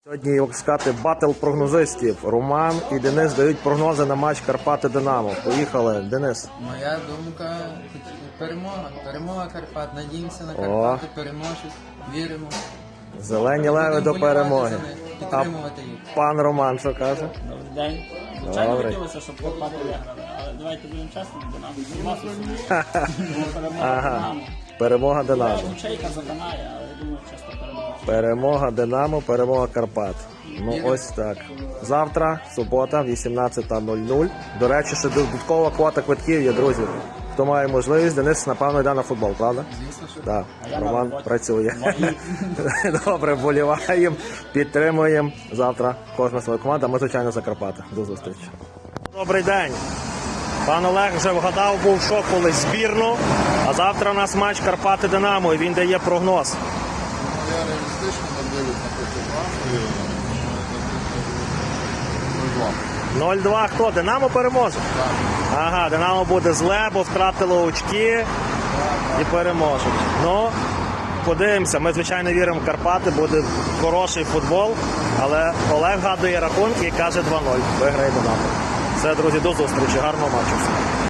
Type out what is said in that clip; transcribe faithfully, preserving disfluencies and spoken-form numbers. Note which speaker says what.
Speaker 1: Сьогодні, як сказати, батл прогнозистів. Роман і Денис дають прогнози на матч Карпати-Динамо. Поїхали, Денис.
Speaker 2: Моя думка – перемога. Перемога Карпат. Надіємося на Карпати, переможуть, віримо.
Speaker 1: Зелені леви до
Speaker 2: Будемо
Speaker 1: перемоги.
Speaker 2: вболівати за них, підтримувати їх.
Speaker 1: Пан Роман що каже?
Speaker 3: Добрий день. Звичайно,
Speaker 1: Добрий.
Speaker 3: хотілося, щоб Карпати виграли, але давайте будемо чесними, Динамо. Перемога
Speaker 1: Ага.
Speaker 3: Динамо.
Speaker 1: Перемога Динамо.
Speaker 3: Чейка заканає, але я думаю, чесно перемога.
Speaker 1: Перемога Динамо, перемога Карпат. Ну ось так. Завтра, субота, вісімнадцята нуль нуль. До речі, ще додаткова квота квитків є, друзі. Хто має можливість, Денис, напевно, йде на футбол, правда?
Speaker 2: Звісно, що
Speaker 1: Так,
Speaker 3: я на
Speaker 1: Роман
Speaker 3: роботі.
Speaker 1: працює. Добре, вболіваємо, підтримуємо. Завтра кожна своя команда, ми, звичайно, за Карпати. До зустрічі. Добрий день. Пан Олег вже вгадав, був шок колись збірну, а завтра у нас матч Карпати-Динамо, і він дає прогноз.
Speaker 4: Я реалістично надивлюсь на фотографію.
Speaker 1: нуль-два хто? Динамо переможе? Ага, Динамо буде зле, бо втратило очки і переможуть. Ну, подивимося. Ми, звичайно, віримо в Карпати, буде хороший футбол, але Олег гадує рахунки і каже два нуль. Виграє Динамо. Все, друзі, до зустрічі. Гарного матчу.